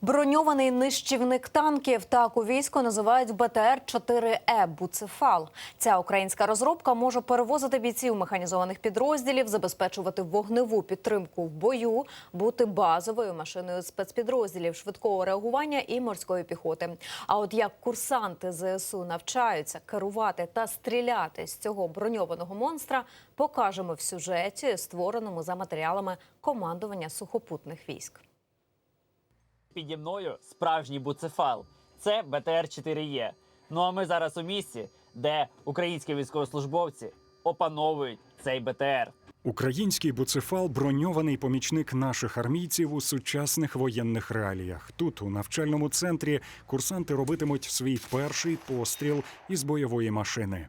Броньований нищівник танків, так у війську називають БТР-4Е «Буцефал». Ця українська розробка може перевозити бійців механізованих підрозділів, забезпечувати вогневу підтримку в бою, бути базовою машиною спецпідрозділів швидкого реагування і морської піхоти. А от як курсанти ЗСУ навчаються керувати та стріляти з цього броньованого монстра, покажемо в сюжеті, створеному за матеріалами командування сухопутних військ. Піді мною справжній буцефал. Це БТР-4Е. Ну а ми зараз у місці, де українські військовослужбовці опановують цей БТР. Український буцефал – броньований помічник наших армійців у сучасних воєнних реаліях. Тут, у навчальному центрі, курсанти робитимуть свій перший постріл із бойової машини.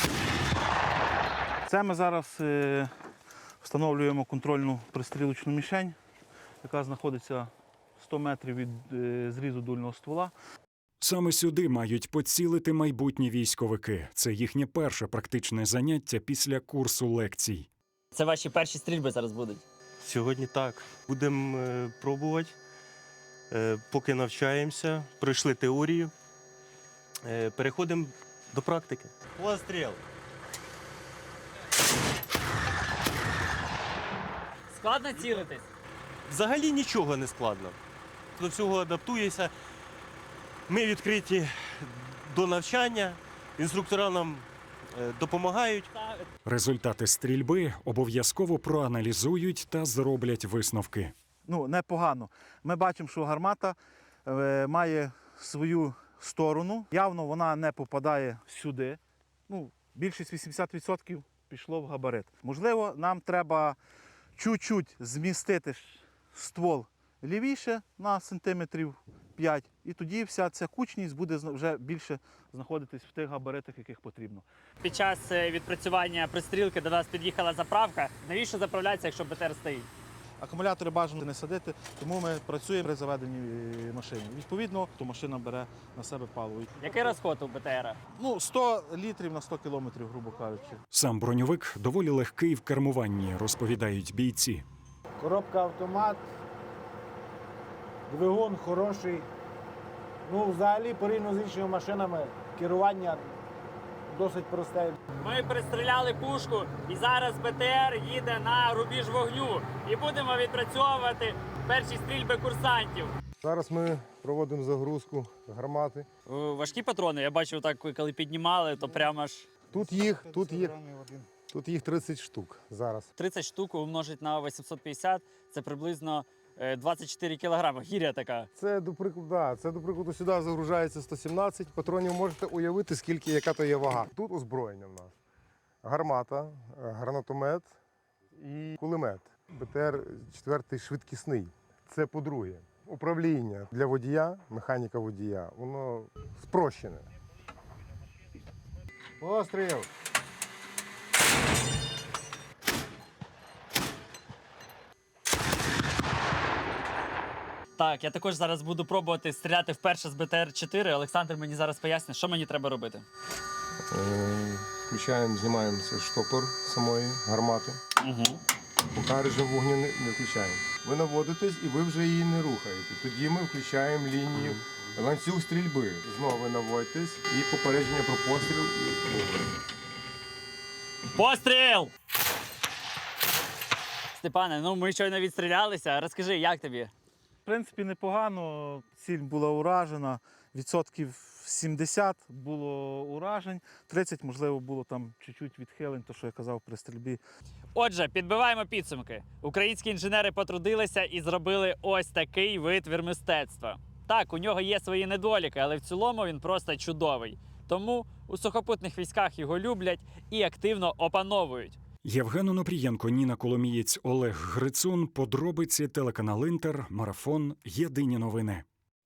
Це ми зараз встановлюємо контрольну пристрілочну мішень, яка знаходиться 100 метрів від зрізу дульного ствола. Саме сюди мають поцілити майбутні військовики. Це їхнє перше практичне заняття після курсу лекцій. Це ваші перші стрільби зараз будуть? Сьогодні так. Будемо пробувати, поки навчаємося, пройшли теорію, переходимо до практики. Постріл! Складно цілитись? Взагалі нічого не складно. До всього адаптуєшся. Ми відкриті до навчання, інструктора нам допомагають. Результати стрільби обов'язково проаналізують та зроблять висновки. Непогано. Ми бачимо, що гармата має свою сторону. Явно вона не попадає сюди. Більшість 80% пішло в габарит. Можливо, нам треба чуть-чуть змістити ствол лівіше на сантиметрів 5, і тоді вся ця кучність буде вже більше знаходитись в тих габаритах, яких потрібно. Під час відпрацювання пристрілки до нас під'їхала заправка. Навіщо заправляється, якщо БТР стоїть? Акумулятори бажано не садити, тому ми працюємо при заведенні машини. Відповідно, то машина бере на себе паливо. Який розход у БТРа? 100 літрів на 100 кілометрів, грубо кажучи. Сам броньовик доволі легкий в кермуванні, розповідають бійці. Коробка автомат, двигун хороший. Взагалі, порівняно з іншими машинами, керування досить просте. Ми пристріляли пушку, і зараз БТР їде на рубіж вогню. І будемо відпрацьовувати перші стрільби курсантів. Зараз ми проводимо загрузку гармати. Важкі патрони, я бачив, так, коли піднімали, то прямо аж... Тут їх 30 штук зараз. 30 штук умножить на 850, це приблизно 24 кілограми. Гіря така. Це, до прикладу, сюди загружається 117 патронів. Можете уявити, яка то є вага. Тут озброєння в нас. Гармата, гранатомет і кулемет. БТР-4 швидкісний. Це по-друге. Управління для водія, механіка водія, воно спрощене. Постріл! Так, я також зараз буду пробувати стріляти вперше з БТР-4. Олександр мені зараз пояснить, що мені треба робити. Знімаємо цей штопор самої гармати. Поки режим вогню не включаємо. Ви наводитесь і ви вже її не рухаєте. Тоді ми включаємо лінію ланцюг стрільби. Знову ви наводитесь і попередження про постріл. Постріл! Степане, ми щойно відстрілялися. Розкажи, як тобі? В принципі, непогано. Ціль була уражена. Відсотків 70 було уражень, 30, можливо, було там чуть-чуть відхилень, то, що я казав при стрільбі. Отже, підбиваємо підсумки. Українські інженери потрудилися і зробили ось такий витвір мистецтва. Так, у нього є свої недоліки, але в цілому він просто чудовий. Тому у сухопутних військах його люблять і активно опановують. Євген Онопрієнко, Ніна Коломієць, Олег Грицун. Подробиці, телеканал Інтер, Марафон. Єдині новини.